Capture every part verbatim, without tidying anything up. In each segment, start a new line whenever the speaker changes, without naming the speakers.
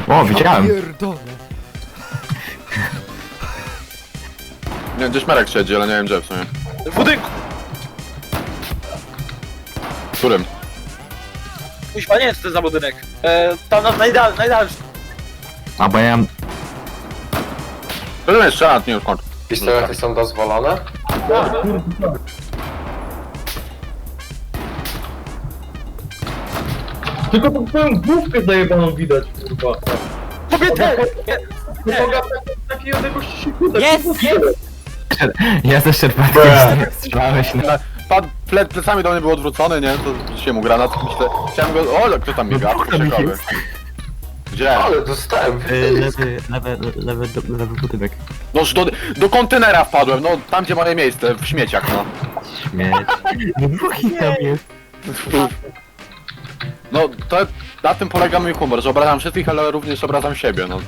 O, widziałem.
Pierdolę.
Nie wiem, gdzieś Marek siedzi, ale nie wiem gdzie w sumie.
W budynku!
W którym?
Kuźwa, nie wiem co to jest za budynek. E, tam na najdal, najdalszy.
A bo ja mam...
To jest strzelat, nie wiem skąd.
Pistolety są dozwolone?
Tylko tą twoją główkę zajebaną widać, kurwa.
Kobietę!
Nie mogę takiej odległości się kudać.
Jest, jest!
Ja ze szczerbatkiem strzelałeś na...
Padł ple, plecami do mnie był odwrócony, nie? To się mu granat, myślę. Chciałem go... O, kto tam biega?
No, tam
Ciekawy.
jest.
Gdzie?
Ale dostałem.
Y, Lewy, lewy, lewy, lewy, lewy budynek.
No do, do kontenera wpadłem, no tam gdzie moje miejsce, w śmieciach, no.
Śmieć. No dwóch ich tam jest.
No to na tym polega mój humor, że obrażam wszystkich, ale również obrażam siebie, no.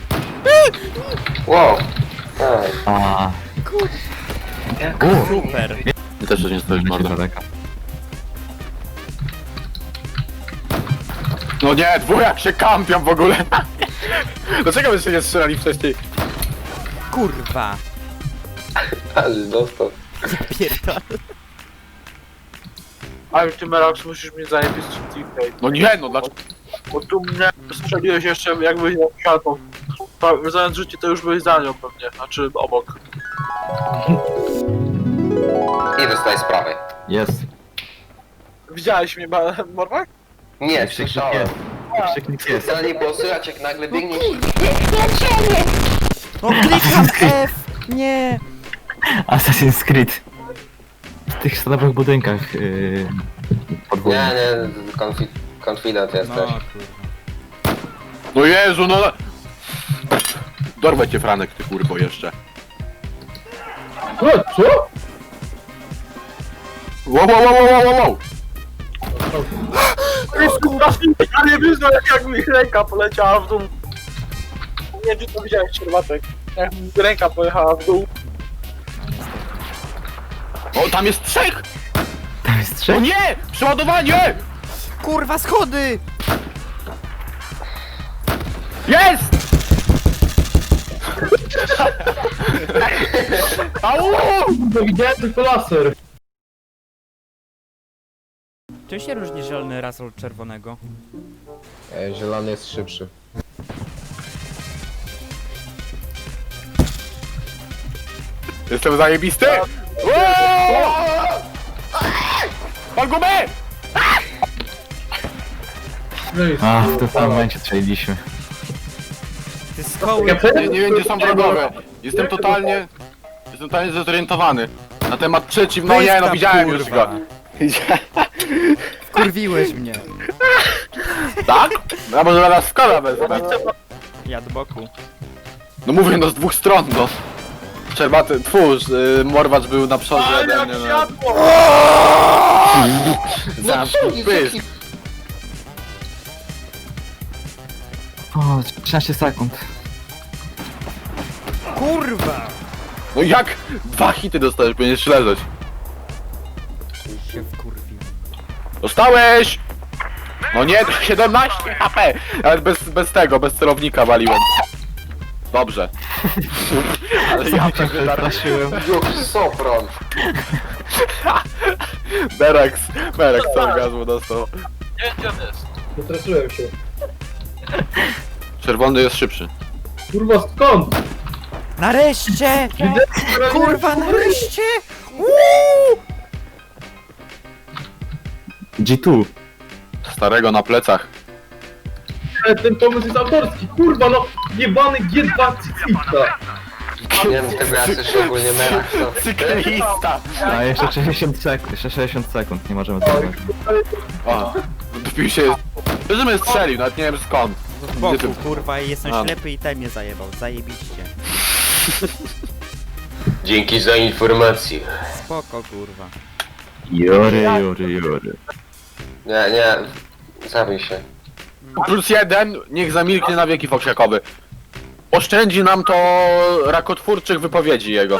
Wow. Ej.
A.
Super.
I też coś nie stoisz, mordo.
daleka.
No nie, dwójak się kampią w ogóle. Dlaczego byście nie strzelali wcześniej?
Kurwa.
Ale dostał.
Pierdolę.
Ale ty Merax musisz mi zajebić teammate.
No nie, no dlaczego?
Bo tu mnie strzeliłeś jeszcze jakbyś na siatą. Zamiast życie to już byłeś za nią pewnie, znaczy obok.
I dostaję sprawę.
Jest.
Widziałeś mnie, Morwak?
Nie,
Krzyknik
słyszałem.
jest. Krzyknik jest.
Specjalnie było słychać jak nagle biegnie.
No klikam F! Nie!
Assassin's Creed. W tych stalowych budynkach yy,
Nie,
podwójnych.
nie, konfi konfident
No
jesteś.
kurwa.
No Jezu, no... Dorwę cię, Franek, ty kurwo, jeszcze.
No, co?
Wow, wow, wow, wow, wow, wow!
Ja nie wyznał jak, jak mi ręka poleciała w dół. Nie wiem czy to widziałeś, Czerwatek. Jak mi ręka pojechała w dół.
O, tam jest trzech!
Tam jest
O
trzech?
nie! Przeładowanie!
Kurwa, schody!
Jest! Au!
No widziałem tylko laser.
Czym się różni zielony raz od czerwonego?
E, zielony jest szybszy.
Jestem zajebisty! Wow! Pan gumę!
No i
A, w tym samym momencie strzeliliśmy.
Ty skoły...
Ja
Nie, nie wiem gdzie są wrogowie. Jestem totalnie... Jestem totalnie zdezorientowany. Na temat przeciw... No nie, no widziałem już go.
Wkurwiłeś mnie.
Tak? No może nas w kola wezmę.
Ja do boku.
No mówię, no z dwóch stron, no. Szczerbaty, twórz, yy, Morwacz był na przodzie
Ale
ode
jak
mnie, no.
światło!
Zamknij pysk.
O, trzynaście sekund.
Kurwa!
No jak? Dwa hity dostałeś, będziesz leżeć.
Się wkurwił.
Dostałeś! No nie, siedemnaście H P! Ale bez, bez tego, bez celownika waliłem. Dobrze. Ale ja się wydarzyłem.
Już sopron.
Berex, Berex co orgazmu dostał.
Nie wiem gdzie on jest.
Zastraszyłem się.
Czerwony jest szybszy.
Kurwa, skąd?
Nareszcie!
Widzę,
Kurwa, nareszcie! Uuu!
G dwa.
Starego na plecach.
że ten pomysł jest autorski. Kurwa, no, jebany G dwa Cicita.
Nie wiem, tego ja słyszę ogólnie Merax. to-
Cyklista!
A jeszcze sześćdziesiąt sekund, jeszcze sześćdziesiąt sekund, nie możemy tego.
O, dopił się... Że mnie strzelił, nawet nie wiem skąd.
Z boku, kurwa, i jestem
A.
ślepy i ten mnie zajebał. Zajebiście.
Dzięki za informację.
Spoko, kurwa.
Jory, jory, jory.
Nie, nie. Zabij się.
Plus jeden, niech zamilknie na wieki foksiakowy. Oszczędzi nam to rakotwórczych wypowiedzi jego.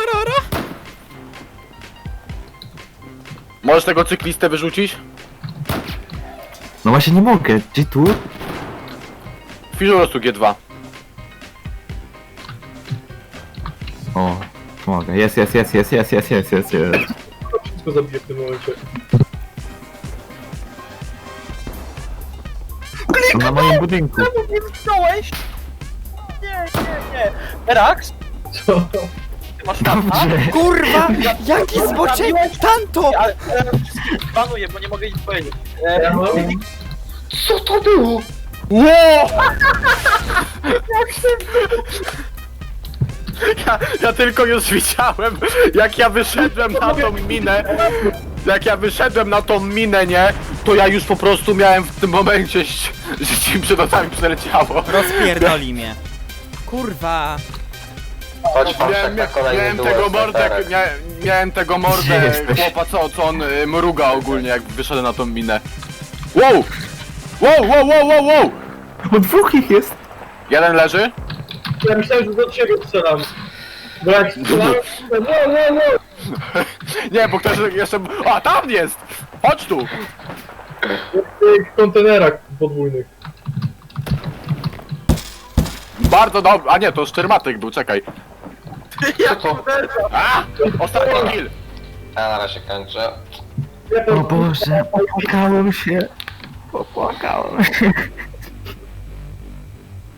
Możesz tego cyklistę wyrzucić?
No właśnie nie mogę, G dwa?
wpisz po prostu G dwa.
O, mogę. Jest, jest, jest, jest, jest, jest, jest, jest, jest.
Wszystko zabiję w tym momencie.
Na moim budynku.
Czemu mnie wziąłeś? Nie, nie, nie. Erax,
Co?
ty masz tam,
Dobrze.
Kurwa! Jaki zboczek! Tanto!
ale teraz wszystkich banuję, bo nie mogę nic powiedzieć. E,
Ja mam...
Co to było?
Ło! Ja, ja tylko już widziałem, jak ja wyszedłem na tą minę, jak ja wyszedłem na tą minę, nie, to ja już po prostu miałem w tym momencie, ś- że ci przed oczami przeleciało.
Rozpierdoli mnie. Kurwa!
Chodź pan
Miałem,
tak na kolejny
miałem
duet
tego
z
mordę,
Peterem.
miałem, miałem tego
Gdzie
mordę
jesteś?
chłopa, co, co on y, mruga ogólnie, jak wyszedłem na tą minę. Wow! Wow, wow, wow, wow, wow!
Bo dwóch ich jest.
Jeden leży?
Ja myślałem, że do ciebie strzelam. Bo jak strzelałem, to no, no, no.
Nie, bo ktoś jeszcze... A, tam jest! Chodź tu!
W tych kontenerach podwójnych.
Bardzo dobry. A nie, to Szczermatyk był, czekaj.
Co to?
A! Ostatni kill!
Ja na razie kończę.
Ja
O Boże, popłakałem się. Popłakałem się.